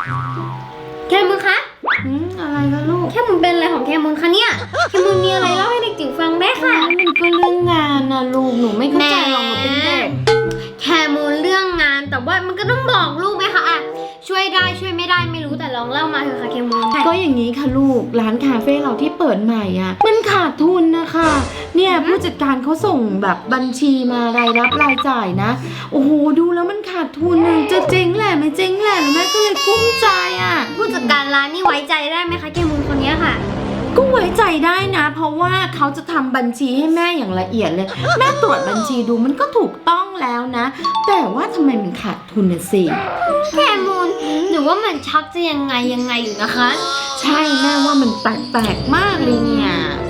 แคมูลคะอะไรคะลูกแคมูลเป็นอะไรของแคมูลคะเนี่ยแคมูลมีอะไรเล่าให้เด็กจิ๋วฟังได้ค่ะมันก็เรื่องงานนะลูกหนูไม่เข้าใจหรอกหนูเป็นเด็กแคมูลเรื่องงานแต่ว่ามันก็ต้องบอกลูกไหมคะอ่ะช่วยได้ช่วยไม่ได้ไม่รู้แต่ลองเล่ามาเถอะค่ะแคมูลก็อย่างนี้ค่ะลูกร้านคาเฟ่เราที่เปิดใหม่อ่ะมันขาดทุนนะคะเนี่ยผู้จัดการเขาส่งแบบบัญชีมารายรับรายจ่ายนะโอ้โหดูแล้วมันขาดทุนอะจะเจ๊งแหละไม่เจ๊งแหละแล้วแม่ก็เลยกุ้มใจอ่ะผู้จัดการร้านนี่ไว้ใจได้ไหมคะแคมูลคนนี้ค่ะก็ไว้ใจได้นะ เพราะว่าเขาจะทำบัญชีให้แม่อย่างละเอียดเลย แม่ตรวจบัญชีดูมันก็ถูกต้องแล้วนะ แต่ว่าทำไมมันขาดทุนน่ะสิแคมูลหนูว่ามันชักจะยังไงอยู่นะคะใช่แม่ว่ามันแปลกๆมากเลยเนี่ย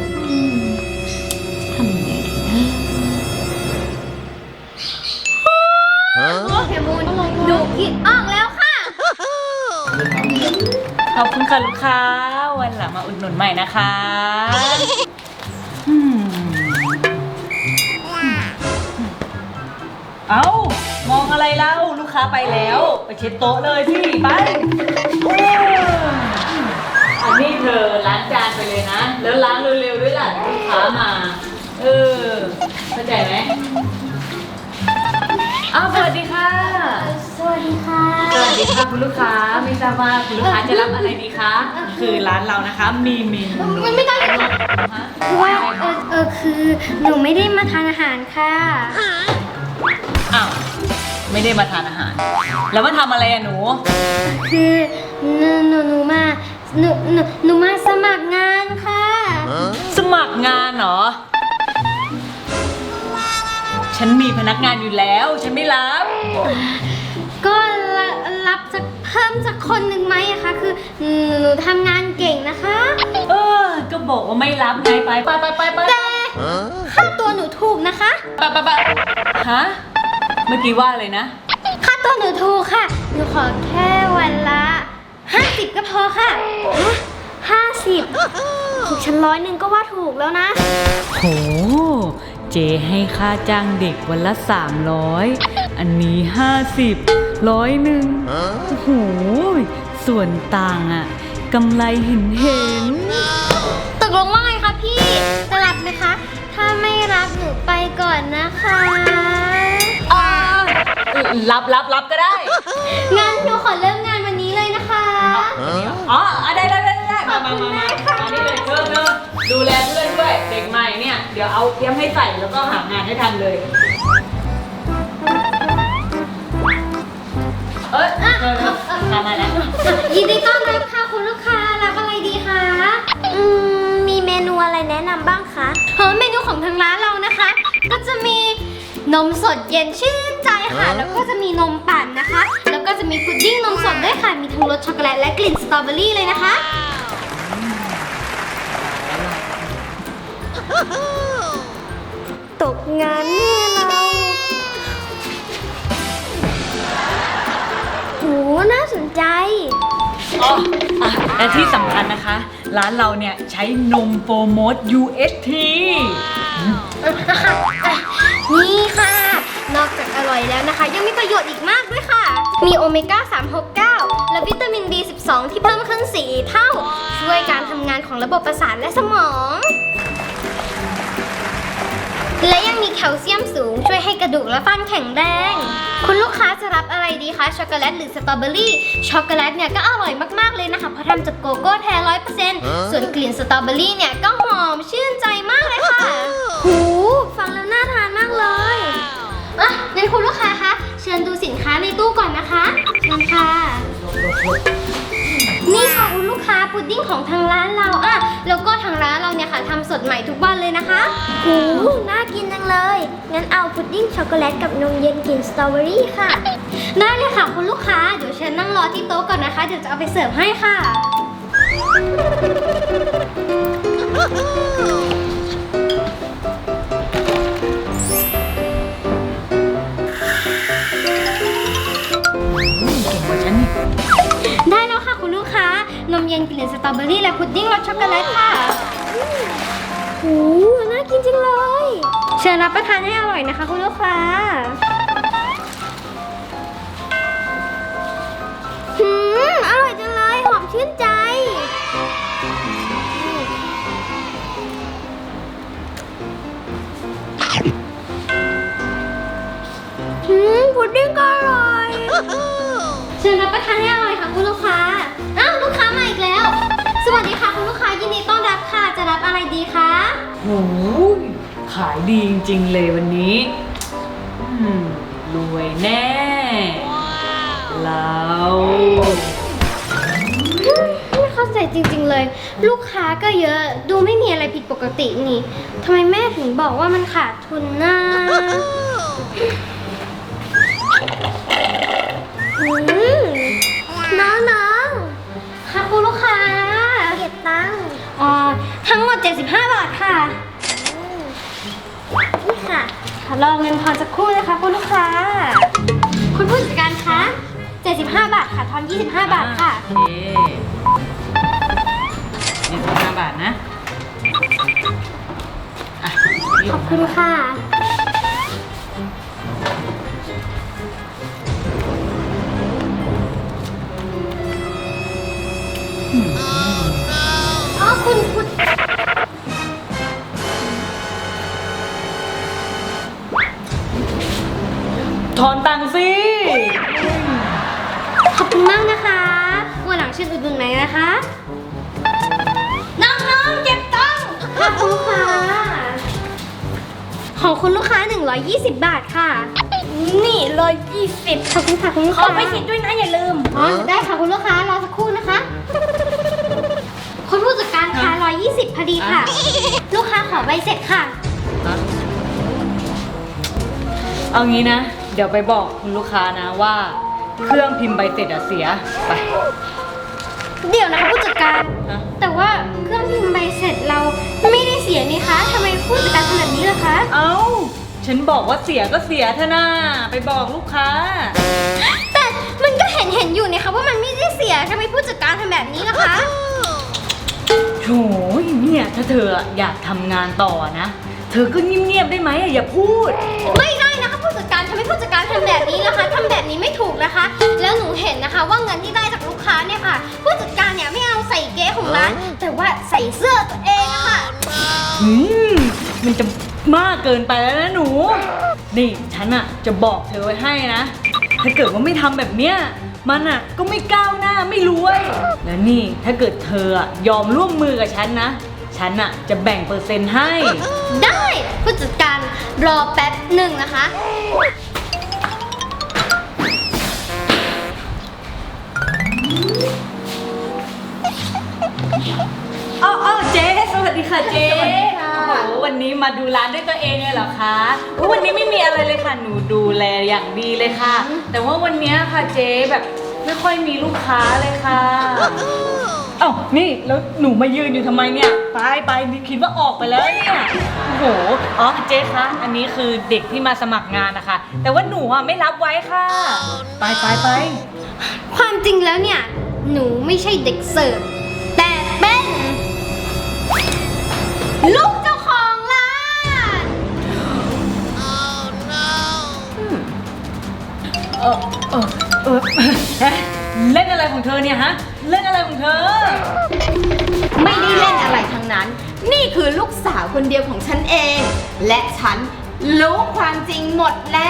ทำยังไงดีนะแคมูลหนูคิดออกแล้วค่ะขอบคุณค่ะลูกค้าวันหลังมาอุดหนุนใหม่นะคะเอามองอะไรเล่าลูกค้าไปแล้วไปเช็ดโต๊ะเลยพี่ไปอันนี้เธอล้างจานไปเลยนะแล้วล้างเร็วๆด้วยล่ะลูกค้ามาเข้าใจไหมอ้าวสวัสดีค่ะสวัสดีค่ะสวัสดีค่ะคุณลูกค้าไม่ทราบว่าคุณลูกค้าจะรับอะไรดีคะคือร้านเรานะคะมีเมนูมันไม่ได้ค่ะคือว่าคือหนูไม่ได้มาทานอาหารค่ะอ้าวไม่ได้มาทานอาหาร แล้วมาทำอะไรอะหนูคือหนูมาสมัครงานค่ะสมัครงานเหรอฉันมีพนักงานอยู่แล้วฉันไม่รับก็รับสักเพิ่มสักคนหนึ่งไหมอะคะคือหนูทำงานเก่งนะคะก็บอกว่าไม่รับไงไปไปแต่ค่าตัวหนูถูกนะคะไปฮะเมื่อกี้ว่าเลยนะค่าตัวหนูถูกค่ะ หนูขอแค่วันละ50ก็พอค่ะ50ถูกฉัน100ก็ว่าถูกแล้วนะโหเจให้ค่าจ้างเด็กวันละ300อันนี้50 100โอ้โหส่วนต่างอะกำไรเห็นตกลงว่าไงคะพี่จะรับไหมคะ ถ้าไม่รับหนูไปก่อนนะคะรับก็ได้งั้นหนูขอเริ่มงานวันนี้เลยนะคะอ๋อได้มานี่เลยเธอดูแลเพื่อนด้วยเด็กใหม่เนี่ยเดี๋ยวเอาเตรียมให้ใส่แล้วก็หางานให้ทันเลยทำมาแล้วยินดีต้อนรับค่ะคุณลูกค้ารับอะไรดีคะมีเมนูอะไรแนะนำบ้างคะเมนูของทางร้านเรานะคะ ก็จะมีนมสดเย็นชื่นใจค่ะ แล้วก็จะมีนมปั่นนะคะ แล้วก็จะมีพุดดิ้งนมสดด้วยค่ะ มีทั้งรสช็อกโกแลตและกลิ่นสตรอเบอรี่เลยนะคะ ตกงานแน่เราโหน่าสนใจและที่สำคัญนะคะ ร้านเราเนี่ยใช้นมโฟร์โมส UHT นี่ค่ะ นอกจากอร่อยแล้วนะคะ ยังมีประโยชน์อีกมากด้วยค่ะ มีโอเมก้า 369 และวิตามิน B12 ที่เพิ่มขึ้น4เท่า ช่วยการทำงานของระบบประสาทและสมอง และยังมีแคลเซียมสูงช่วยให้กระดูกและฟันแข็งแรง คุณลูกค้าจะรับอะไรดีคะช็อกโกแลตหรือสตรอเบอรี่ช็อกโกแลตเนี่ยก็อร่อยมากๆเลยนะคะเพราะทำจากโกโก้แท้ 100% ส่วนกลิ่นสตรอเบอรี่เนี่ยก็หอมชื่นใจมากเลยค่ะหูฟังแล้วน่าทานมากเลยงั้นคุณลูกค้าคะเชิญดูสินค้าในตู้ก่อนนะคะเชิญค่ะ นี่ค่ะคุณลูกค้าพุดดิ้งของทางร้านเราแล้วก็ทางร้านเราเนี่ยค่ะทำสดใหม่ทุกวันเลยนะคะโอ้น่ากินจังเลย งั้นเอาพุดดิ้งช็อกโกแลตกับนมเย็นกลิ่นสตรอเบอรี่ค่ะ ได้เลยค่ะคุณลูกค้า เดี๋ยวเชิญนั่งรอที่โต๊ะก่อนนะคะ เดี๋ยวจะเอาไปเสิร์ฟให้ค่ะเก่งกว่าฉันนี่ได้แล้วค่ะคุณลูกค้านมเย็นกลิ่นสตรอเบอรี่และพุดดิ้งรสช็อกโกแลตค่ะโอ้น่ากินจังเลย เชิญรับประทานให้อร่อยนะคะคุณลูกค้าอร่อยชื่นใจพุดดิ้งก็อร่อยเชิญรับประทานให้อร่อยค่ะคุณลูกค้าอ้าวลูกค้ามาอีกแล้ว สวัสดีค่ะคุณลูกค้ายินดีต้อนรับค่ะจะรับอะไรดีคะโอ้ยขายดีจริงๆเลยวันนี้รวยแน่เราไม่เข้าใจจริงๆเลย ลูกค้าก็เยอะดูไม่มีอะไรผิดปกตินี่ทำไมแม่ถึงบอกว่ามันขาดทุนนะน้องๆค่ะคุณลูกค้าเก็บตังค์ทั้งหมด75 บาทค่ะนี่ค่ะขอรอเงินพอสักครู่นะคะคุณลูกค้าคุณผู้จัดการคะ75 บาทค่ะทอน25 บาทค่ะโอเค25 บาทนะอ่ะขอบคุณค่ะอ๋อคุณถอนตังค์สิขอบคุณมากนะคะวันหลังเชิญอุดหนุนไหนนะคะ น้องๆเก็บตังค์ค่ะคุณลูกค้าของคุณลูกค้า120 บาทค่ะ นี่120ขอบคุณค่ะคุณลูกค้าขอไปคิดด้วยนะอย่าลืมอ๋อได้ค่ะคุณลูกค้ารอสักครู่นะคะ คุณผู้จัดการคะ120พอดีค่ะ ลูกค้าขอใบเสร็จค่ะเอางี้นะ เดี๋ยวไปบอกคุณลูกค้านะว่า เครื่องพิมพ์ใบเสร็จอะเสียไปเดี๋ยวนะคะผู้จัดการฮะแต่ว่าเครื่องพิมพ์ใบเสร็จเราไม่ได้เสียนี่คะทำไมผู้จัดการทำแบบนี้ล่ะคะเอ้า ฉันบอกว่าเสียก็เสียเถอะนะไปบอกลูกค้าแต่มันก็เห็นอยู่นี่คะว่ามันไม่ได้เสียทำไมผู้จัดการทำแบบนี้ล่ะคะโถยเนี่ยถ้าเธออยากทำงานต่อนะ เธอก็เงียบๆได้ไหมอย่าพูดไม่ได้นะคะผู้จัดการทำไมผู้จัดการทำแบบนี้ล่ะคะทำแบบนี้ไม่ถูกนะคะ แล้วหนูเห็นนะคะว่าเงินที่ได้จากลูกค้าเนี่ยค่ะ ผู้จัดการเนี่ยไม่เอาใส่เก๊ของร้านแต่ว่าใส่เสื้อตัวเองอะค่ะมันจะมากเกินไปแล้วนะหนู นี่ฉันอะจะบอกเธอไว้ให้นะ ถ้าเกิดว่าไม่ทำแบบเนี้ย มันอะก็ไม่ก้าวหน้าไม่รวย แล้วนี่ถ้าเกิดเธออะยอมร่วมมือกับฉันนะ ฉันอะจะแบ่งเปอร์เซ็นต์ให้ได้ผู้จัดการรอแป๊บหนึ่งนะคะอ๋อเจ๊สวัสดีค่ะเจ๊สวัสดีค่ะโอ้โหวันนี้มาดูร้านด้วยตัวเองเลยเหรอคะวันนี้ไม่มีอะไรเลยค่ะหนูดูแลอย่างดีเลยค่ะ แต่ว่าวันนี้ค่ะเจ๊แบบไม่ค่อยมีลูกค้าเลยค่ะเอ้านี่แล้วหนูมายืนอยู่ทำไมเนี่ยไปนี่คิดว่าออกไปแล้วเนี่ยโอ้โหอ๋อเจ๊คะอันนี้คือเด็กที่มาสมัครงานนะคะ แต่ว่าหนูอ่ะไม่รับไว้ค่ะไปความจริงแล้วเนี่ยหนูไม่ใช่เด็กเสิร์ฟแต่เป็นลูกเจ้าของร้านเล่นอะไรของเธอเนี่ยฮะเล่นอะไรของเธอไม่ได้เล่นอะไรทั้งนั้น นี่คือลูกสาวคนเดียวของฉันเอง และฉันรู้ความจริงหมดแล้ว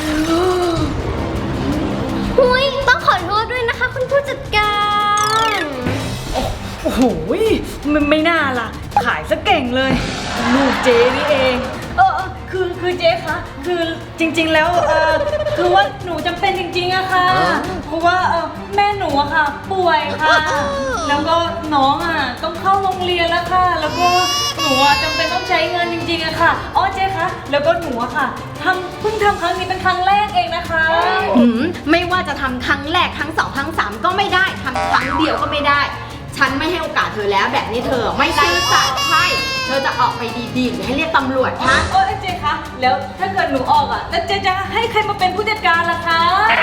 หุยต้องขอโทษด้วยนะคะคุณผู้จัดการโอ้โหไม่น่าล่ะ ขายซะเก่งเลย ลูกเจ๊นี่เอง คือเจ๊คะคือจริงๆแล้วคือว่าหนูจำเป็นจริงๆอะค่ะ เพราะว่าแม่หนูอะค่ะ ป่วยค่ะ แล้วก็น้องอะต้องเข้าโรงเรียนแล้วค่ะ แล้วก็หนูอะจำเป็นต้องใช้เงินจริงๆอะค่ะอ๋อเจ๊คะแล้วก็หนูอะค่ะเพิ่งทำครั้งนี้เป็นครั้งแรกเองนะคะไม่ว่าจะทำครั้งแรกครั้งสองครั้งสามก็ไม่ได้ทำครั้งเดียวก็ไม่ได้ ฉันไม่ให้โอกาสเธอแล้วแบบนี้เธอไม่ซื่อสัตย์ใช่เธอจะออกไปดีๆหรือให้เรียกตำรวจคะโอ้เจ๊คะแล้วถ้าเกิดหนูออกอ่ะแล้วเจ๊จะให้ใครมาเป็นผู้จัดการล่ะคะ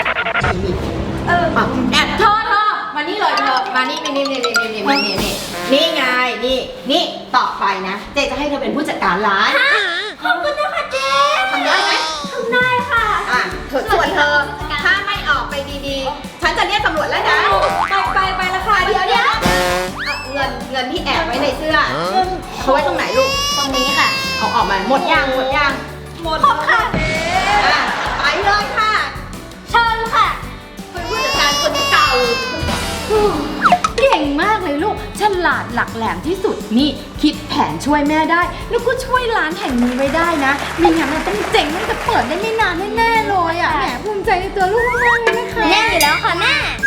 แอบเธอมานี่เลยเธอมานี่นี่ไงนี่ต่อไปนะเจ๊จะให้เธอเป็นผู้จัดการร้านขอบคุณนะคะเจ๊ทำได้ไหมทำได้ค่ะส่วนเธอถ้าไม่ออกไปดีๆ ฉันจะเรียกตำรวจแล้วนะไปแล้วค่ะเดี๋ยวเงินที่แอบไว้ในเสื้อเขาไว้ตรงไหนลูกตรงนี้ค่ะเอาออกมาหมดยังหมดยังหมดค่ะอ่ะไปเลยค่ะเชิญค่ะเป็นผู้จัดการคนเก่าเก่งมากเลยลูกฉลาดหลักแหลมที่สุดนี่คิดแผนช่วยแม่ได้แล้วก็ช่วยร้านแห่งนี้ไว้ได้นะไม่งั้นมันต้องเจ๋งมันจะเปิดได้ไม่นานแน่ๆเลยอ่ะแหมภูมิใจในตัวลูกมากเลยนะคะแน่อยู่แล้วค่ะแม่